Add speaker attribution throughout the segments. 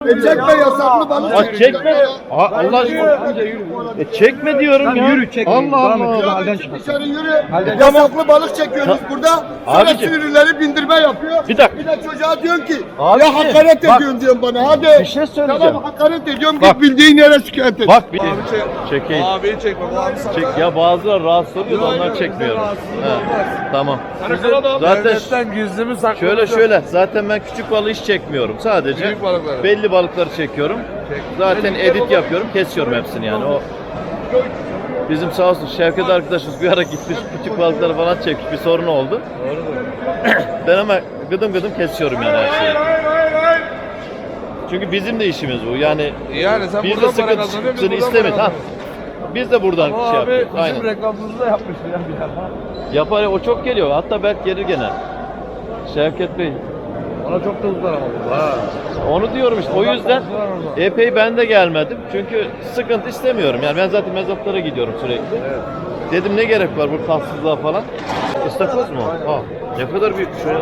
Speaker 1: Çekme yasaklı balık.
Speaker 2: Bak çekme. Allah aşkına. Çekme diyorum ya.
Speaker 3: Yürü çek.
Speaker 2: Allah Allah.
Speaker 1: Halden çık dışarı yürü. Yasaklı balık çekiyoruz burada. Sonra
Speaker 2: Abicim.
Speaker 1: sürüleri bindirme yapıyor.
Speaker 2: Bir dakika.
Speaker 1: Bir de çocuğa diyorsun ki
Speaker 2: Abi,
Speaker 1: ya hakaret
Speaker 2: bak.
Speaker 1: ediyorsun diyorsun bana hadi.
Speaker 2: Bir şey söyleyeceğim.
Speaker 1: Tamam hakaret ediyorum
Speaker 2: Bak.
Speaker 1: git bildiğin yere şikayet et.
Speaker 2: Bak bir çekeyim.
Speaker 3: Abi çekme.
Speaker 2: Çek ya bazıları rahatsız oluyor da onlar çekmiyorum. Tamam. Zaten
Speaker 3: gizlimi saklamış.
Speaker 2: şöyle zaten ben küçük balığı hiç çekmiyorum. Sadece
Speaker 3: Büyük balıkları.
Speaker 2: belli balıkları çekiyorum. Zaten edit yapıyorum, kesiyorum hepsini yani. O bizim sağ olsun Şevket arkadaşımız bir ara gitmiş küçük balıkları falan çekmiş, bir sorun oldu. Ben ama gıdım gıdım kesiyorum yani her şeyi. Çünkü bizim de işimiz bu. Yani
Speaker 3: sen
Speaker 2: biz de
Speaker 3: buradan para
Speaker 2: sıkıntı
Speaker 3: kazanıyorsun,
Speaker 2: çıksın
Speaker 3: buradan
Speaker 2: istemeyiz.
Speaker 3: para
Speaker 2: Ha. Biz de buradan
Speaker 3: Ama
Speaker 2: şey
Speaker 3: abi
Speaker 2: yapıyoruz.
Speaker 3: bizim
Speaker 2: Aynen.
Speaker 3: reklamımızı da yapmış ya bir ara.
Speaker 2: Yapar ya, o çok geliyor. Hatta belki gelir gene. Şevket Bey.
Speaker 3: Ona çok kızdılar ama bu. Ha.
Speaker 2: Onu diyorum işte. O yüzden epey ben de gelmedim. Çünkü sıkıntı istemiyorum. Yani ben zaten mezatlara gidiyorum sürekli.
Speaker 3: Evet.
Speaker 2: Dedim ne gerek var bu tatsızlığa falan. İstakoz mu? Ha. Ne kadar büyük şöyle.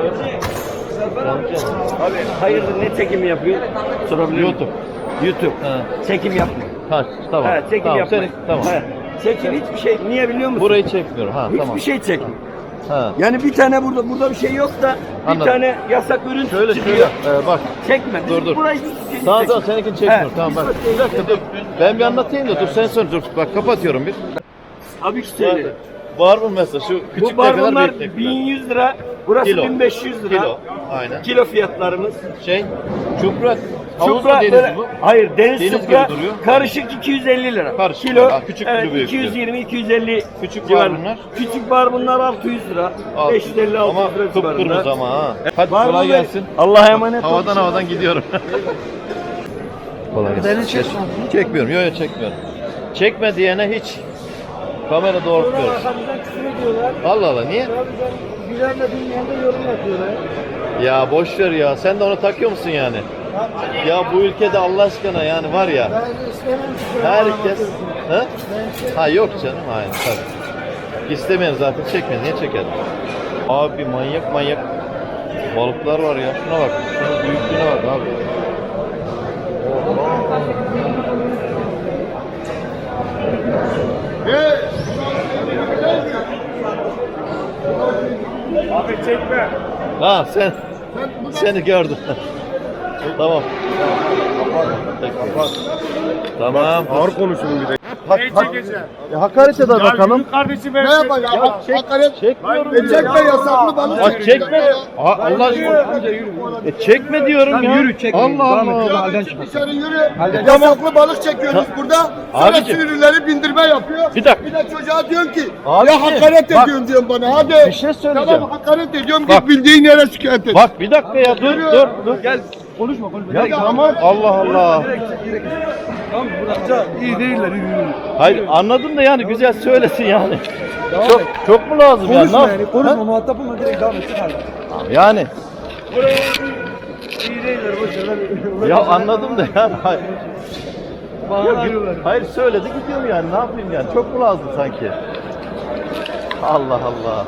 Speaker 4: Abi hayırdır ne çekimi yapıyor? Sorabilir miyim?
Speaker 2: YouTube. Ha.
Speaker 4: Çekim yapma.
Speaker 2: Ha tamam.
Speaker 4: Ha, çekim
Speaker 2: tamam.
Speaker 4: yapma.
Speaker 2: Tamam.
Speaker 4: Ha, çekim hiçbir şey. Niye biliyor musun?
Speaker 2: Burayı çekmiyorum. Ha
Speaker 4: hiçbir
Speaker 2: tamam.
Speaker 4: şey çekme.
Speaker 2: Ha.
Speaker 4: Yani bir tane burada bir şey yok da bir
Speaker 2: Anladım.
Speaker 4: tane yasak ürün
Speaker 2: Şöyle
Speaker 4: çıkıyor.
Speaker 2: bak.
Speaker 4: Çekme.
Speaker 2: Dur.
Speaker 4: Burayı hiçbir şey
Speaker 2: Tamam
Speaker 4: çekme.
Speaker 2: seninkini çekmiyorum.
Speaker 4: He.
Speaker 2: Tamam bak. Bir dakika dur. Ben bir anlatayım da dur sen sonra dur. Bak kapatıyorum bir.
Speaker 4: Abi söyle.
Speaker 2: Var mı mesela şu küçük
Speaker 4: Bu
Speaker 2: tepeler
Speaker 4: barbunlar
Speaker 2: büyük tepeler?
Speaker 4: 1100 lira. Burası
Speaker 2: Kilo.
Speaker 4: 1500 lira.
Speaker 2: Kilo. Aynen.
Speaker 4: Kilo fiyatlarımız.
Speaker 2: Çupra. Havuz mu
Speaker 4: Çupra
Speaker 2: deniz
Speaker 4: böyle,
Speaker 2: bu?
Speaker 4: hayır deniz
Speaker 2: Deniz
Speaker 4: çupra
Speaker 2: gibi duruyor.
Speaker 4: karışık 250 lira.
Speaker 2: Karışık.
Speaker 4: Kilo.
Speaker 2: Ha, küçük
Speaker 4: evet,
Speaker 2: kilo büyük.
Speaker 4: 220-250
Speaker 2: Küçük
Speaker 4: civarında.
Speaker 2: barbunlar?
Speaker 4: Küçük barbunlar 600 lira. 550
Speaker 2: Ama
Speaker 4: 600 lira civarında.
Speaker 2: kıpkırmızı ama ha. Hadi
Speaker 4: Barbun
Speaker 2: kolay
Speaker 4: Bey,
Speaker 2: gelsin.
Speaker 4: Allah'a emanet olun.
Speaker 2: Havadan gidiyorum. Kolay gelsin. Çekmiyorum. Yok çekmiyorum. Çekme diyene hiç kamera doğrultmuyoruz.
Speaker 5: Arkamızdan küfür ediyorlar.
Speaker 2: Allah Allah niye?
Speaker 5: Abi ben güvenmediğim yerde yorum yapıyorlar.
Speaker 2: Ya boş ver ya. Sen de onu takıyor musun yani? Ya bu ülkede Allah aşkına yani var ya.
Speaker 5: Ben istemem ki.
Speaker 2: Herkes. Ha yok canım. Hayır tabii. İstemeyen zaten çekmez. Niye çeker? Abi manyak balıklar var ya. Şuna bak. Şunun büyüklüğüne bak abi.
Speaker 1: Abi çekme.
Speaker 2: Ha seni gördüm. Tamam. Tamam.
Speaker 1: Ağır konuşun bir de.
Speaker 2: Hakaret eder bakalım.
Speaker 1: Kardeşim ne yapayım ya? Hakaret.
Speaker 2: Çekmiyorum.
Speaker 1: Çekme yasaklı balık.
Speaker 2: Bak çekme. Allah aşkına. Çekme diyorum ya.
Speaker 3: Yürü çek.
Speaker 2: Allah Allah.
Speaker 3: Halden çık.
Speaker 1: Dışarı yürü. Yasaklı balık çekiyoruz burada. Sonra
Speaker 2: Abicim.
Speaker 1: sürüleri bindirme yapıyor.
Speaker 2: Bir dakika.
Speaker 1: Bir de çocuğa diyorsun ki
Speaker 2: Abi,
Speaker 1: ya hakaret
Speaker 2: bak.
Speaker 1: ediyorsun diyorsun bana hadi.
Speaker 2: Bir şey söyleyeceğim.
Speaker 1: Tamam hakaret ediyorum
Speaker 2: Bak.
Speaker 1: git bildiğin yere şikayet et.
Speaker 2: Bak bir dakika ya dur.
Speaker 3: Gel. Konuşma.
Speaker 2: Ya tamam. Allah Allah.
Speaker 3: İyi değiller.
Speaker 2: Hayır anladım da yani güzel söylesin yani. Çok mu lazım yani?
Speaker 3: Konuşma
Speaker 2: Ne
Speaker 3: yani.
Speaker 2: yap-
Speaker 3: Konuşma.
Speaker 2: Ha?
Speaker 3: Muhatap olma. Direkt devam et.
Speaker 2: Yani.
Speaker 3: İyi değiller. Boşver.
Speaker 2: Ya anladım da yani. Hayır.
Speaker 3: Bana arıyorlar.
Speaker 2: Hayır söyledi gidiyorum yani ne yapayım yani çok mu lazım sanki? Allah Allah.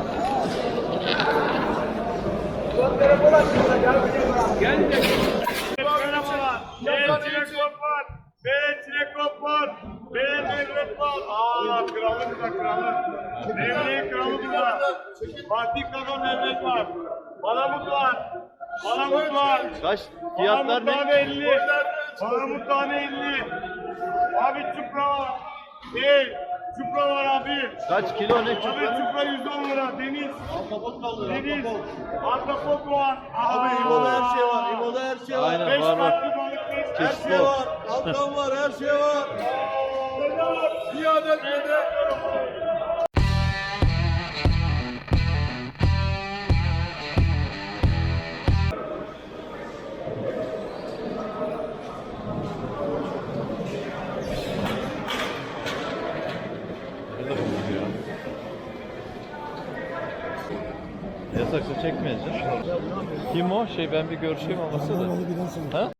Speaker 6: Çilekop var. Mevlüt var. Aa kralımız da kralı. Mevlüt kralı burada. Fatih Kaka Mevlüt var. Palamut var. Palamut var.
Speaker 2: Kaç fiyatlar
Speaker 6: Palamut tane
Speaker 2: ne?
Speaker 6: 50. Palamut tane 50. Abi çupra var. Çupra var abi.
Speaker 2: Kaç kilo ne
Speaker 6: Abi
Speaker 2: çıktı?
Speaker 6: çupra 110 lira. Deniz. Deniz. Ahtapot var. Abi
Speaker 3: İbo'da her şey var. İbo'da her şey var.
Speaker 2: Aynen
Speaker 6: 5
Speaker 2: var.
Speaker 6: farklı balık.
Speaker 2: Çeşitli
Speaker 3: Her şey
Speaker 2: ol.
Speaker 3: var. Alttan var. Her şey var. Bir adet böyle.
Speaker 2: Yasaksa çekmeyeceğiz. Kim o? Ben bir görüşeyim olmasa da. Ha?